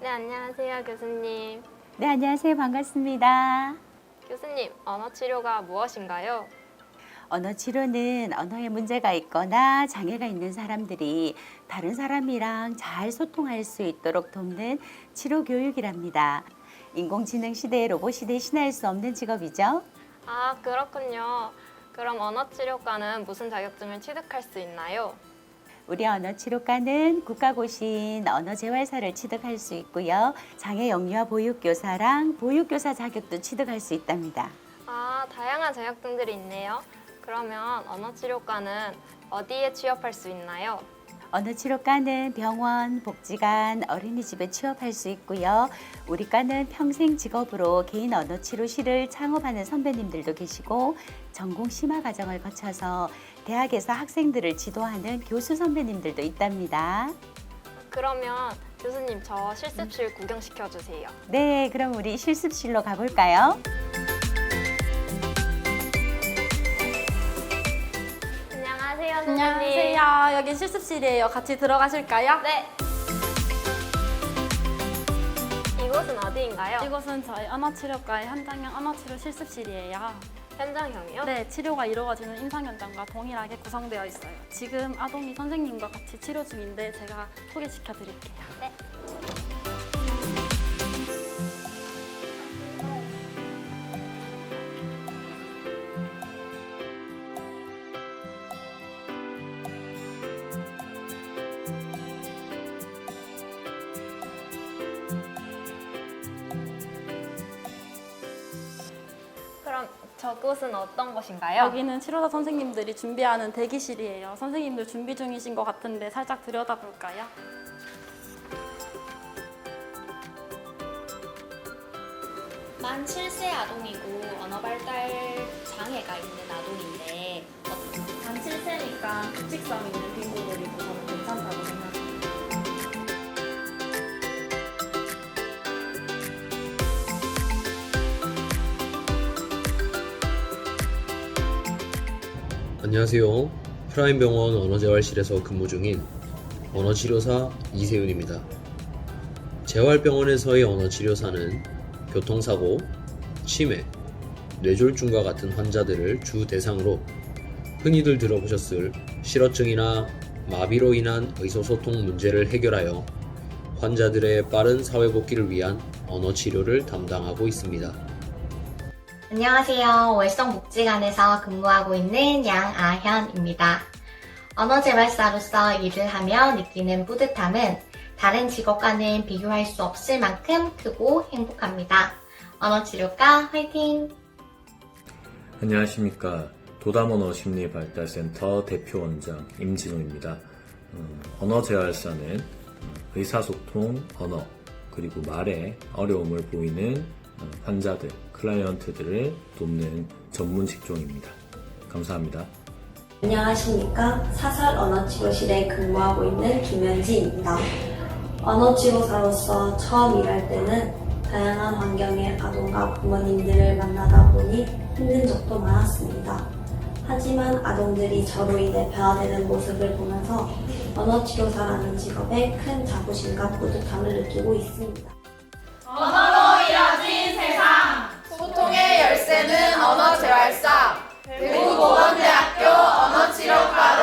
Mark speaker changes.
Speaker 1: 네, 안녕하세요, 교수님.
Speaker 2: 네, 안녕하세요. 반갑습니다.
Speaker 1: 교수님, 언어 치료가 무엇인가요?
Speaker 2: 언어 치료는 언어에 문제가 있거나 장애가 있는 사람들이 다른 사람이랑 잘 소통할 수 있도록 돕는 치료 교육이랍니다. 인공지능 시대의 로봇이 대신할 수 없는 직업이죠.
Speaker 1: 아, 그렇군요. 그럼 언어 치료과는 무슨 자격증을 취득할 수 있나요?
Speaker 2: 우리 언어치료과는 국가고시인 언어재활사를 취득할 수 있고요. 장애 영유아 보육교사랑 보육교사 자격도 취득할 수 있답니다.
Speaker 1: 아, 다양한 자격증들이 있네요. 그러면 언어 치료과는 어디에 취업할 수 있나요?
Speaker 2: 언어치료과는 병원, 복지관, 어린이집에 취업할 수 있고요. 우리 과는 평생 직업으로 개인 언어치료실을 창업하는 선배님들도 계시고 전공 심화 과정을 거쳐서 대학에서 학생들을 지도하는 교수 선배님들도 있답니다.
Speaker 1: 그러면 교수님 저 실습실 구경시켜 주세요.
Speaker 2: 네, 그럼 우리 실습실로 가볼까요?
Speaker 1: 안녕하세요, 선생님.
Speaker 3: 안녕하세요. 여기 실습실이에요. 같이 들어가실까요?
Speaker 1: 네. 이곳은 어디인가요?
Speaker 3: 이곳은 저희 언어치료과의 현장형 언어치료 실습실이에요.
Speaker 1: 현장형이요?
Speaker 3: 네, 치료가 이루어지는 임상 현장과 동일하게 구성되어 있어요. 지금 아동이 선생님과 같이 치료 중인데 제가 소개시켜 드릴게요.
Speaker 1: 네. 그럼 저곳은 어떤 곳인가요?
Speaker 3: 여기는 치료사 선생님들이 준비하는 대기실이에요. 선생님들 준비 중이신 것 같은데 살짝 들여다볼까요?
Speaker 4: 만 7세 아동이고 언어 발달 장애가 있는 아동인데
Speaker 3: 만 7세니까 규칙성 있는 빈부놀이도 저는 괜찮다고 생각해요.
Speaker 5: 안녕하세요. 프라임병원 언어재활실에서 근무 중인 언어치료사 이세윤입니다. 재활병원에서의 언어치료사는 교통사고, 치매, 뇌졸중과 같은 환자들을 주 대상으로 흔히들 들어보셨을 실어증이나 마비로 인한 의사소통 문제를 해결하여 환자들의 빠른 사회복귀를 위한 언어치료를 담당하고 있습니다.
Speaker 6: 안녕하세요. 월성복지관에서 근무하고 있는 양아현입니다. 언어재활사로서 일을 하며 느끼는 뿌듯함은 다른 직업과는 비교할 수 없을 만큼 크고 행복합니다. 언어치료과 화이팅!
Speaker 7: 안녕하십니까. 도담언어심리발달센터 대표원장 임진호입니다. 언어재활사는 의사소통, 언어, 그리고 말에 어려움을 보이는 환자들, 클라이언트들을 돕는 전문 직종입니다. 감사합니다.
Speaker 8: 안녕하십니까. 사설 언어치료실에 근무하고 있는 김현지입니다. 언어치료사로서 처음 일할 때는 다양한 환경의 아동과 부모님들을 만나다 보니 힘든 적도 많았습니다. 하지만 아동들이 저로 인해 변화되는 모습을 보면서 언어치료사라는 직업에 큰 자부심과 뿌듯함을 느끼고 있습니다.
Speaker 9: 언어로 이뤄진 세상 소통의 열쇠는 언어재활사 대구보건대학교 언어치료과